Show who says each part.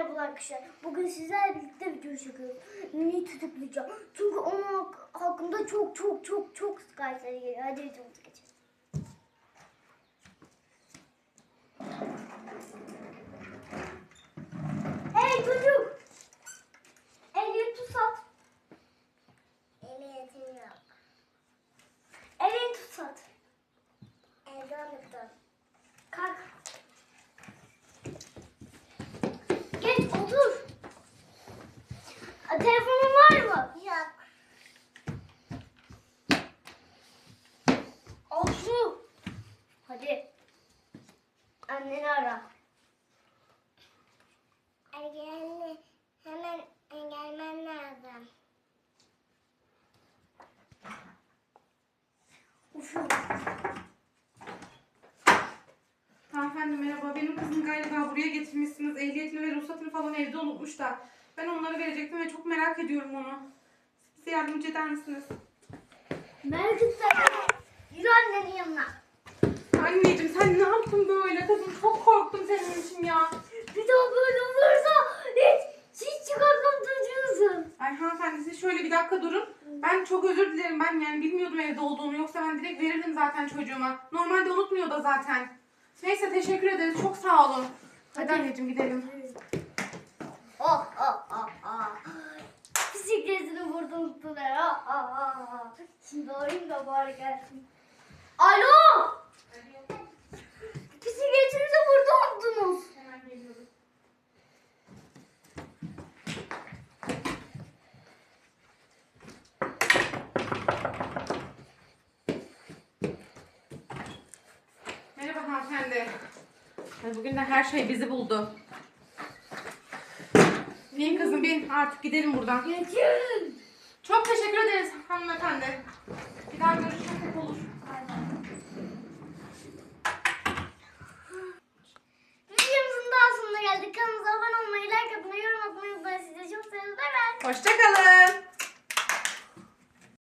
Speaker 1: Merhaba arkadaşlar. Bugün sizlerle birlikte video çekiyoruz. Niye tutuklayacağım? Çünkü onun hakkında çok şikayetler geliyor. Hadi videomuza geçelim. Hey çocuk! Ehliyet tutsat.
Speaker 2: Ehliyetim yok.
Speaker 1: Ehliyet tutsat.
Speaker 2: Evde unuttum.
Speaker 1: Kalk. Geç otur. Telefonun var mı?
Speaker 2: Yok.
Speaker 1: Al şunu. Hadi. Anneni ara.
Speaker 2: Ergenli hemen gelmen lazım.
Speaker 1: Uf.
Speaker 3: Hanımefendi merhaba. Benim kızım galiba buraya getirmişsiniz. Ehliyetini ve ruhsatını falan evde unutmuş da. Ben onları verecektim ve çok merak ediyorum onu. Bize yardımcı eder misiniz?
Speaker 1: Merak etme. Yürü annenin yanına.
Speaker 3: Anneciğim sen ne yaptın böyle? Kızım çok korktum senin için ya.
Speaker 1: Bir daha böyle olursa hiç çıkartmam çocuğunuzu.
Speaker 3: Ay hanımefendi siz şöyle bir dakika durun. Ben çok özür dilerim. Ben yani bilmiyordum evde olduğunu. Yoksa ben direkt verirdim zaten çocuğuma. Normalde unutmuyor da zaten. Neyse teşekkür ederiz. Çok sağ olun. Hadi anneciğim gidelim.
Speaker 1: Bisikletini vurdum unuttular. Şimdi arayayım da bari gelsin. Alo! Bisikletinizi burada unuttunuz.
Speaker 3: Hemen geliyoruz. Merhaba hanımefendi. Ay, bugün de her şey bizi buldu. Bin kızım bin. Artık gidelim buradan.
Speaker 1: Geçin.
Speaker 3: Çok teşekkür ederiz hanımefendi. Bir daha görüşmek olur.
Speaker 1: Videomuzun daha sonuna geldik. Kanalımıza abone olmayı, like atmayı, yorum atmayı unutmayın. Sizi çok seviyoruz. Bay bay.
Speaker 3: Hoşça kalın.